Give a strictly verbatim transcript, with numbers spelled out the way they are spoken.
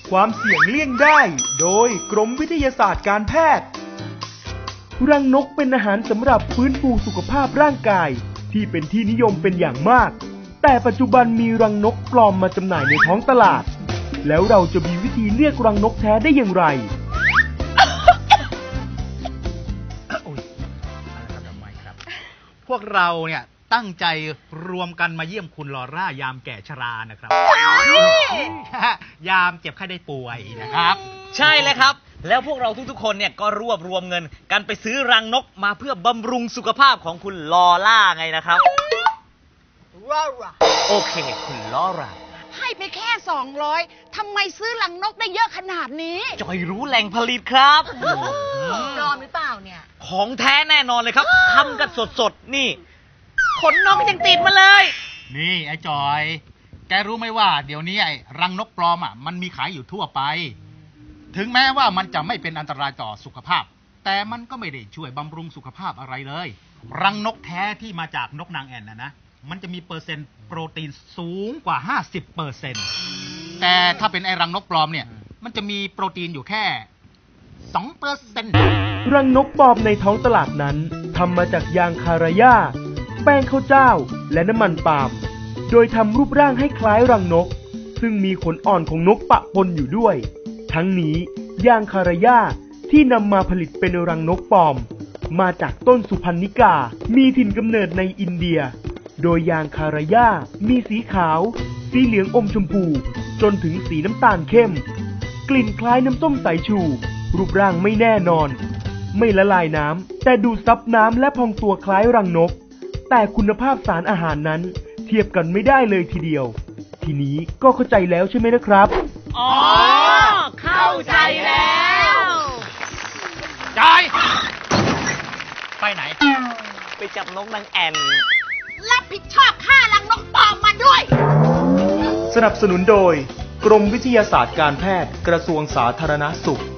ความเสี่ยงเลี่ยงได้โดยกรมวิทยาศาสตร์การแพทย์รังนกเป็นอาหารสำหรับฟื้นฟูสุขภาพร่างกายที่เป็นที่นิยมเป็นอย่างมากแต่ปัจจุบันมีรังนกปลอมมาจำหน่ายในท้องตลาดแล้วเราจะมีวิธีเลือกรังนกแท้ได้อย่างไรพวกเราเนี่ยตั้งใจรวมกันมาเยี่ยมคุณลอร่ายามแก่ชรานะครับยามเจ็บไข้ได้ป่วยนะครับใช่เลยครับแล้วพวกเราทุกๆคนเนี่ยก็รวบรวมเงินกันไปซื้อรังนกมาเพื่อบำรุงสุขภาพของคุณลอร่าไงนะครับลอร่าโอเคคุณลอร่าให้ไปแค่สองร้อยทำไมซื้อรังนกได้เยอะขนาดนี้จอยรู้แหล่งผลิตครับปลอมหรือเปล่าเนี่ยของแท้แน่นอนเลยครับทำกันสดๆนี่ขนนกยังติดมาเลยนี่ไอ้จอยแกรู้ไหมว่าเดี๋ยวนี้ไอ้รังนกปลอมอ่ะมันมีขายอยู่ทั่วไปถึงแม้ว่ามันจะไม่เป็นอันตรายต่อสุขภาพแต่มันก็ไม่ได้ช่วยบำรุงสุขภาพอะไรเลยรังนกแท้ที่มาจากนกนางแอ่นนะนะมันจะมีเปอร์เซ็นต์โปรตีนสูงกว่า ห้าสิบเปอร์เซ็นต์ แต่ถ้าเป็นไอ้รังนกปลอมเนี่ยมันจะมีโปรตีนอยู่แค่ สองเปอร์เซ็นต์รังนกปลอมในท้องตลาดนั้นทำมาจากยางคาราย่าแป้งข้าวเจ้าและน้ำมันปาล์มโดยทำรูปร่างให้คล้ายรังนกซึ่งมีขนอ่อนของนกปะปนอยู่ด้วยทั้งนี้ยางคาราย่าที่นำมาผลิตเป็นรังนกปลอมมาจากต้นสุพรรณิกามีถิ่นกำเนิดในอินเดียโดยยางคาราย่ามีสีขาวสีเหลืองอมชมพูจนถึงสีน้ำตาลเข้มกลิ่นคล้ายน้ำส้มสายชูรูปร่างไม่แน่นอนไม่ละลายน้ำแต่ดูดซับน้ำและพองตัวคล้ายรังนกแต่คุณภาพสารอาหารนั้นเทียบกันไม่ได้เลยทีเดียวทีนี้ก็เข้าใจแล้วใช่ไหมนะครับอ๋อเข้าใจแล้วจอยไปไหนไปจับนกนางแอ่นรับผิดชอบค่ารังนกปลอมมาด้วยสนับสนุนโดยกรมวิทยาศาสตร์การแพทย์กระทรวงสาธารณสุข